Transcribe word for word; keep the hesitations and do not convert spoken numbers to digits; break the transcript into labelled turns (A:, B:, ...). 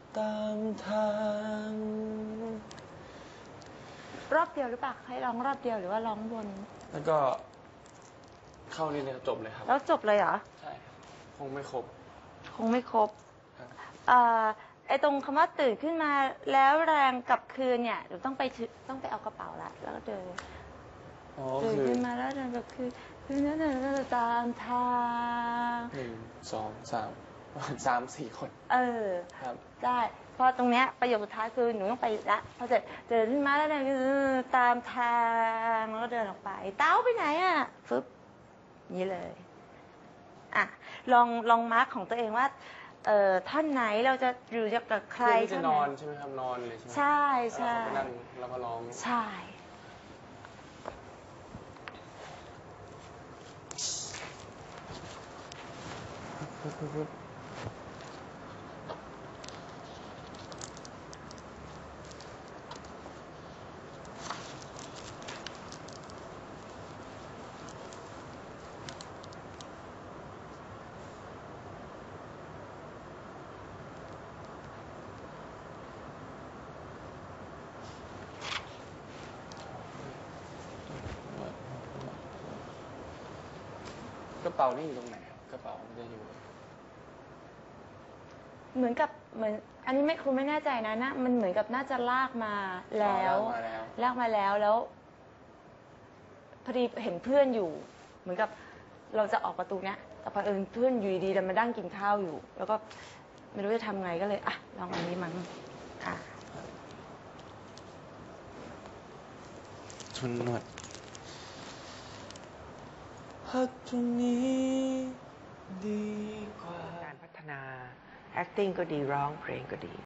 A: ตามทาง
B: รอบเดียวหรือเปล่าให้ร้องรอบเดียวหรือว่าร้องวน
A: แล้วก็เข้านี่เลยจบเลยครับ
B: แล้วจบเลยเหรอ
A: ใช่ครับคงไม่ครบ
B: คงไม่ครบ
A: ครับ
B: เอ่อไอตรงคำว่าตื่นขึ้นมาแล้วแรงกลับคืนเนี่ยเดี๋ยวต้องไปถือต้องไปเอากระเป๋าละแล้วก็เดิน
A: อ๋อ
B: ตื่น
A: คือ
B: ขึ้นมาแล้วเดินกลับคืนคืนนั้นเดินตามทาง
A: หนึ่งสองสามสามสี่คน
B: เออ
A: ครับ
B: ได้เพราะตรงเนี้ยประโยคสุดท้ายคือหนูต้องไปละพอเสร็จเดินขึ้นมาแล้วเดินตามทางแล้วก็เดินออกไปเต้าไปไหนอ่ะฟึบนี้เลยอ่ะลองลองมาร์คของตัวเองว่าเอ่อท่อนไหนเราจะอยู่กับใคร
A: เพื่อที่จะนอนใช่ไหมครับนอนเลยใช่ไหม
B: ใช่ใช่
A: แล้วเราก็ไปนั่งแล้วก็ร้อง
B: ใช่
A: กระเป๋านี่อยู่ตรงไหนครับกระเป๋ามันจะอยู่
B: เหมือนกับเหมือนอันนี้ไม่ครูไม่แน่ใจนะนะมันเหมือนกับน่าจะลากมาแล้ว
A: อ๋อลากมาแล้ว
B: ลากมาแล้วแล้วพอดีเห็นเพื่อนอยู่ เหมือนกับเราจะออกประตูเนี้ยแต่พอเอิญเพื่อนอยู่ดีๆเรามาดั้งกินข้าวอยู่ แล้วก็ไม่รู้จะทำไงก็เลยอ่ะลองอันนี้มั้งอ่ะ
A: ทุนนวดพักตรงนี้ดีกว่า
C: การพัฒนา acting ก็ดีร้องเพลงก็ดี